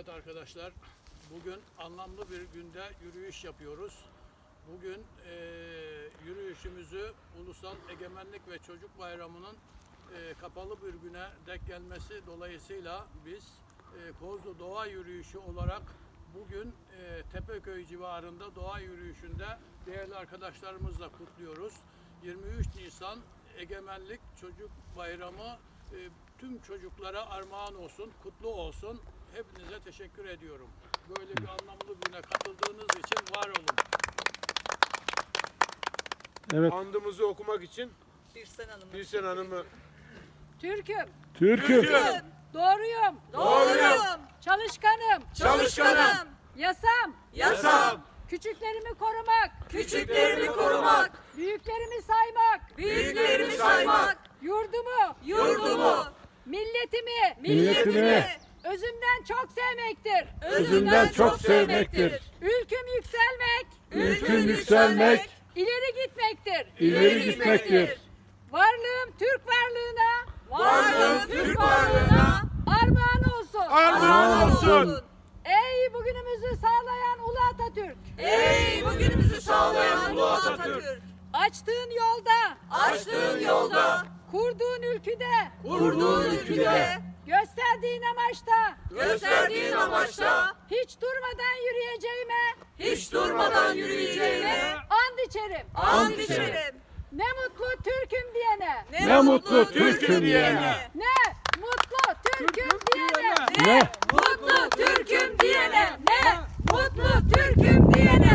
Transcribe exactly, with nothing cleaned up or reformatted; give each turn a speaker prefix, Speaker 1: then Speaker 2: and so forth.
Speaker 1: Evet arkadaşlar, bugün anlamlı bir günde yürüyüş yapıyoruz. Bugün e, yürüyüşümüzü Ulusal Egemenlik ve Çocuk Bayramı'nın e, kapalı bir güne denk gelmesi dolayısıyla biz e, Kozlu Doğa Yürüyüşü olarak bugün e, Tepeköy civarında doğa yürüyüşünde değerli arkadaşlarımızla kutluyoruz. yirmi üç Nisan Egemenlik Çocuk Bayramı e, tüm çocuklara armağan olsun, kutlu olsun. Hepinize teşekkür ediyorum. Böyle bir anlamlı güne katıldığınız için var olun.
Speaker 2: Evet.
Speaker 3: Andımızı okumak için
Speaker 4: Birsen Hanım'a.
Speaker 3: Birsen Hanım'ı
Speaker 5: Türk'üm,
Speaker 2: Türk'üm,
Speaker 5: doğruyum,
Speaker 4: Doğruyum.
Speaker 5: çalışkanım,
Speaker 3: çalışkanım,
Speaker 5: yasam,
Speaker 4: Yasam.
Speaker 5: küçüklerimi korumak,
Speaker 4: Küçüklerimi korumak.
Speaker 5: büyüklerimi saymak,
Speaker 4: Büyüklerimi saymak.
Speaker 5: yurdumu,
Speaker 4: Yurdumu.
Speaker 5: milletimi,
Speaker 2: milletimi
Speaker 5: özümden çok sevmektir.
Speaker 2: özünden çok sevmektir.
Speaker 5: Ülküm yükselmek,
Speaker 2: Ülküm yükselmek,
Speaker 5: ileri gitmektir.
Speaker 2: ileri gitmektir.
Speaker 5: Varlığım Türk varlığına,
Speaker 4: Varlığım Türk varlığına.
Speaker 5: armağan olsun.
Speaker 2: Armağan olsun.
Speaker 5: Ey bugünümüzü sağlayan Ulu Atatürk,
Speaker 4: Ey bugünümüzü sağlayan Ulu Atatürk.
Speaker 5: açtığın yolda,
Speaker 4: Açtığın yolda.
Speaker 5: kurduğun ülküde,
Speaker 4: Kurduğun ülküde.
Speaker 5: gösterdiğin amaçta,
Speaker 4: Gösterdiğin amaçta.
Speaker 5: hiç durmadan yürüyeceğime
Speaker 4: Hiç durmadan yürüyeceğime.
Speaker 5: and içerim.
Speaker 4: And içerim.
Speaker 5: Ne mutlu Türk'üm diyene,
Speaker 2: Ne mutlu Türk'üm diyene.
Speaker 5: ne mutlu Türk'üm diyene,
Speaker 2: Ne
Speaker 4: Mutlu Türk'üm diyene. Ne mutlu Türk'üm diyene.